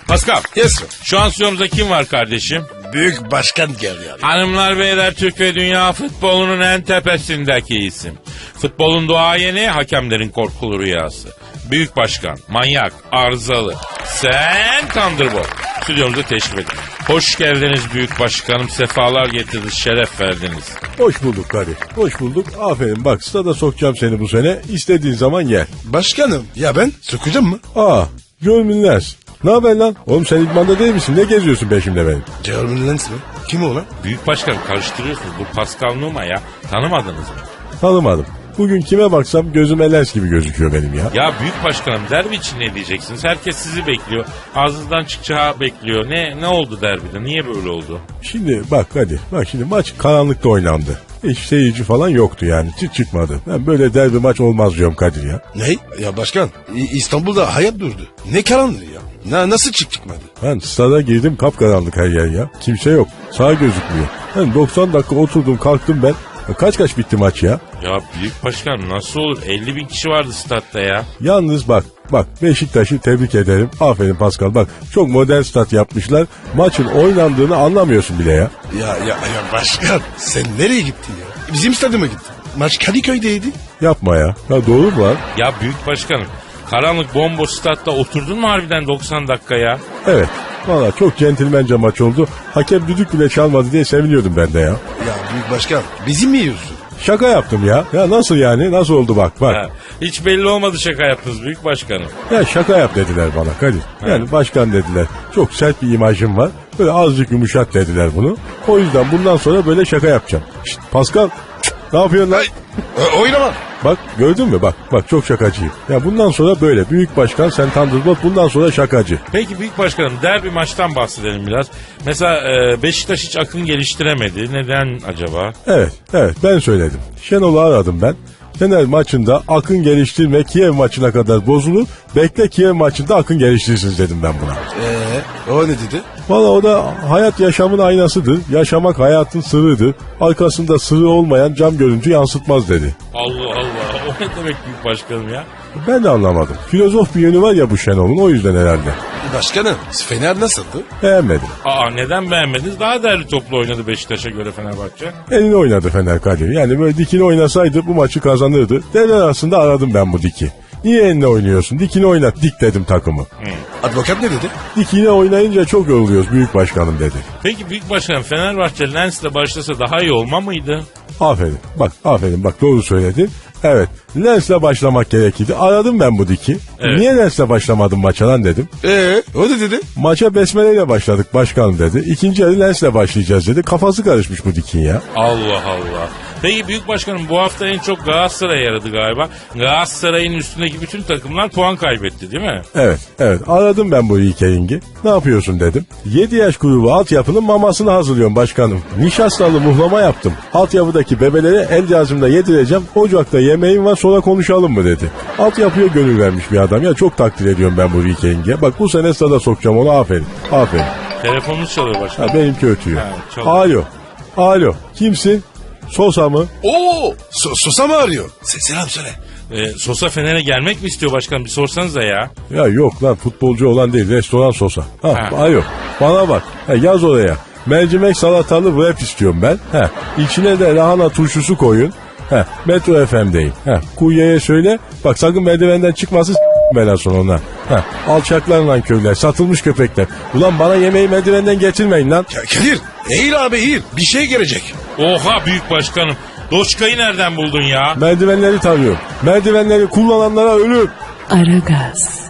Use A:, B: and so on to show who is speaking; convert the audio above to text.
A: Pascal.
B: Yes sir.
A: Şu an stüdyomuzda kim var kardeşim?
B: Büyük başkan geliyor.
A: Hanımlar beyler, Türk ve dünya futbolunun en tepesindeki isim. Futbolun duayeni, hakemlerin korkulu rüyası. Büyük başkan, manyak, arızalı. Sen Thunderbolt. Stüdyomuza teşrif edin. Hoş geldiniz büyük başkanım. Sefalar getirdiniz, şeref verdiniz.
C: Hoş bulduk kardeş. Hoş bulduk. Aferin bak, stada sokacağım seni bu sene. İstediğin zaman gel.
B: Başkanım ya ben sokacağım mı?
C: Görmünler. Ne haber lan? Oğlum sen idmanda değil misin? Ne geziyorsun peşimde benim?
B: Jeremy Lens mi? Kim o lan?
A: Büyük başkanım karıştırıyorsunuz. Bu Pascal Numa ya. Tanımadınız mı?
C: Tanımadım. Bugün kime baksam gözüme lens gibi gözüküyor benim ya.
A: Ya büyük başkanım, derbi için ne diyeceksiniz? Herkes sizi bekliyor. Ağzınızdan çıkacağı bekliyor. Ne oldu derbide? Niye böyle oldu?
C: Şimdi bak hadi. Bak şimdi maç karanlıkta oynandı. Hiç seyirci falan yoktu yani. Çıkmadı. Ben böyle derbi maç olmaz diyorum Kadir ya.
B: Ne? Ya başkan İstanbul'da hayat durdu. Ne karanlığı ya? Nasıl çıkmadı?
C: Ben stada girdim, kapkaranlık her yer ya. Kimse yok. Sağ gözükmüyor. Ben 90 dakika oturdum kalktım ben. Kaç bitti maç ya?
A: Ya büyük başkanım nasıl olur? 50 bin kişi vardı statta ya.
C: Yalnız bak Beşiktaş'ı tebrik ederim. Aferin Pascal, bak çok modern stat yapmışlar. Maçın oynandığını anlamıyorsun bile ya.
B: Ya başkan sen nereye gittin ya? Bizim stadyuma gittin. Maç Kadıköy'deydi.
C: Yapma ya. Ya doğru mu lan?
A: Ya büyük başkanım, karanlık bomboş statta oturdun mu harbiden 90 dakika ya?
C: Evet. Valla çok centilmence maç oldu. Hakem düdük bile çalmadı diye seviniyordum ben de ya.
B: Ya büyük başkan bizim mi yiyorsun?
C: Şaka yaptım ya. Ya nasıl yani? Nasıl oldu bak.
A: Ha, hiç belli olmadı şaka yaptınız büyük başkanım.
C: Ya şaka yap dediler bana Kadir. Yani başkan dediler. Çok sert bir imajım var. Böyle azıcık yumuşat dediler bunu. O yüzden bundan sonra böyle şaka yapacağım. Şşt, Pascal. Ne yapıyorsun lan?
B: Oynama.
C: Bak gördün mü? Bak çok şakacıyım. Ya bundan sonra böyle. Büyük başkan sen Thunderbolt, bundan sonra şakacı.
A: Peki büyük başkanım, derbi maçtan bahsedelim biraz. Mesela Beşiktaş hiç akın geliştiremedi. Neden acaba?
C: Evet ben söyledim. Şenol'u aradım ben. Fener maçında akın geliştirme, Kiev maçına kadar bozulur. Bekle Kiev maçında akın geliştirsin dedim ben buna.
B: O ne dedi?
C: Valla o da hayat yaşamın aynasıdır. Yaşamak hayatın sırrıdır. Arkasında sırrı olmayan cam görüntü yansıtmaz dedi.
A: Allah Allah, o ne demek büyük başkanım ya?
C: Ben de anlamadım. Filozof bir yönü var ya bu Şenol'un, o yüzden herhalde.
B: Başkanım Fener nasıldı?
C: Beğenmedim.
A: Neden beğenmediniz? Daha değerli toplu oynadı Beşiktaş'a göre Fenerbahçe.
C: Elini oynadı Fener Kadir. Yani böyle dikini oynasaydı bu maçı kazanırdı. Devre arasında aradım ben bu diki. Niye eline oynuyorsun? Dikini oynat. Dik dedim takımı.
B: Advokat ne dedi?
C: Dikine oynayınca çok yoruluyoruz büyük başkanım dedi.
A: Peki büyük başkanım, Fenerbahçe Lens'le başlasa daha iyi olma mıydı?
C: Aferin bak doğru söyledin. Evet, Lens'le başlamak gerekirdi. Aradım ben bu diki.
A: Evet.
C: Niye Lens'le başlamadın maça lan dedim.
B: O ne dedi?
C: Maça besmeleyle başladık başkanım dedi. İkinci yarı Lens'le başlayacağız dedi. Kafası karışmış bu dikin ya.
A: Allah Allah. Peki büyük başkanım, bu hafta en çok Galatasaray yaradı galiba. Galatasaray'ın üstündeki bütün takımlar puan kaybetti değil mi?
C: Evet. Aradım ben bu Ikering'i. Ne yapıyorsun dedim. 7 yaş grubu altyapının mamasını hazırlıyorum başkanım. Nişastalı muhlama yaptım. Altyapıdaki bebelere el yazımda yedireceğim. Ocakta yemeğim var, sonra konuşalım mı dedi. Altyapıya gönül vermiş bir adam ya, çok takdir ediyorum ben bu Ikering'e. Bak bu sene stada sokacağım onu, aferin.
A: Telefonunuz çalıyor başkanım.
C: Benimki ötüyor.
A: çalıyor.
C: Alo. Kimsin? Sosa mı?
B: Sosa mı arıyor? Selam söyle.
A: Sosa Fener'e gelmek mi istiyor başkanım? Bir sorsanıza ya.
C: Ya yok lan, futbolcu olan değil, restoran Sosa.
A: Ha.
C: Alo. Bana bak. Yaz oraya. Mercimek salatalı wrap istiyorum ben. İçine de lahana turşusu koyun. Metro FM'deyim. Kuryeye söyle. Bak sakın merdivenden çıkmasın ben sonra ona. Alçaklar lan köyler. Satılmış köpekler. Ulan bana yemeği merdivenden getirmeyin lan.
B: Ya Kadir eğil abi eğil. Bir şey gelecek.
A: Oha büyük başkanım. Doçkayı nereden buldun ya?
C: Merdivenleri tanıyorum. Merdivenleri kullananlara ölüm.
D: Aragaz.